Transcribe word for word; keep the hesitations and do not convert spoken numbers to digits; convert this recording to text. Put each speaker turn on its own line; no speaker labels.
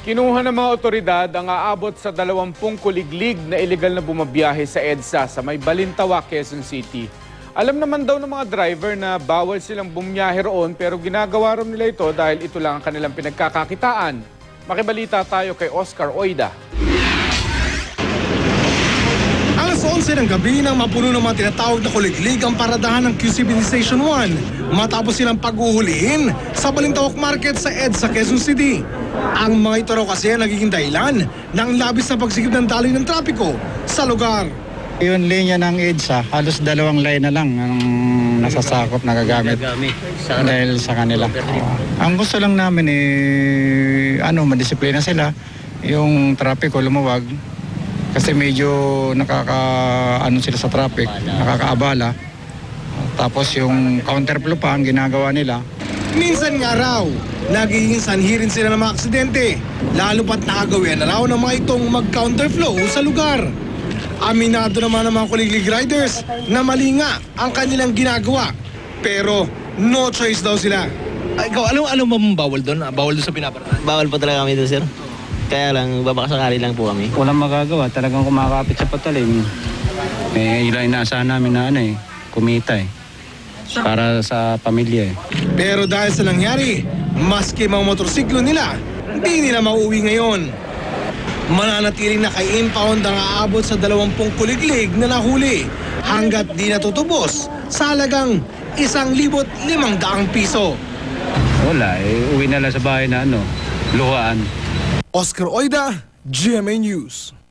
Kinuha ng mga otoridad ang aabot sa dalawampung kuliglig na ilegal na bumabiyahe sa EDSA sa may Balintawa, Quezon City. Alam naman daw ng mga driver na bawal silang bumiyahe roon pero ginagawa rin nila ito dahil ito lang ang kanilang pinagkakakitaan. Makibalita tayo kay Oscar Oida.
Alas onse ng gabi nang mapuno ng mga tinatawag na kuliglig ang paradahan ng Q C B Station one matapos silang paghuhulihin sa Balintawak Market sa EDSA, Quezon City. Ang mga ito raw kasi ang nagiging dahilan ng labis na pagsikip ng daloy ng trapiko sa lugar.
Yung linya ng EDSA, halos dalawang line na lang ang nasasakop na gagamit dahil sa kanila. Ang gusto lang namin eh, ano, madisiplina sila, yung trapiko lumuwag kasi medyo nakaka, ano sila sa traffic, nakakaabala. Tapos yung counterflow pa ang ginagawa nila.
Minsan nga raw, nagiging sanhi rin sila ng mga aksidente, lalo pat nakagawian na raw ng mga itong mag-counterflow sa lugar. Aminado naman ng mga kuliglig riders na mali nga ang kanilang ginagawa, pero no choice daw sila.
Ay, ikaw, ano, ano mong bawal doon? Bawal doon sa pinaparadahan?
Bawal po talaga kami doon, sir. Kaya lang, babakasakali lang po kami.
Walang magagawa, talagang kumakapit sa patalim. Eh, ilan inaasahan namin na ano eh, kumita eh. Para sa pamilya eh.
Pero dahil sa nangyari, maski mga motorsiklo nila, hindi nila mauwi ngayon. Mananatiling naka-impound ang aabot sa dalawampung kuliglig na nahuli hanggat di natutubos sa halagang isang libot limang daang piso.
Wala eh, uwi na lang sa bahay na ano, luhaan.
Oscar Oida, G M A News.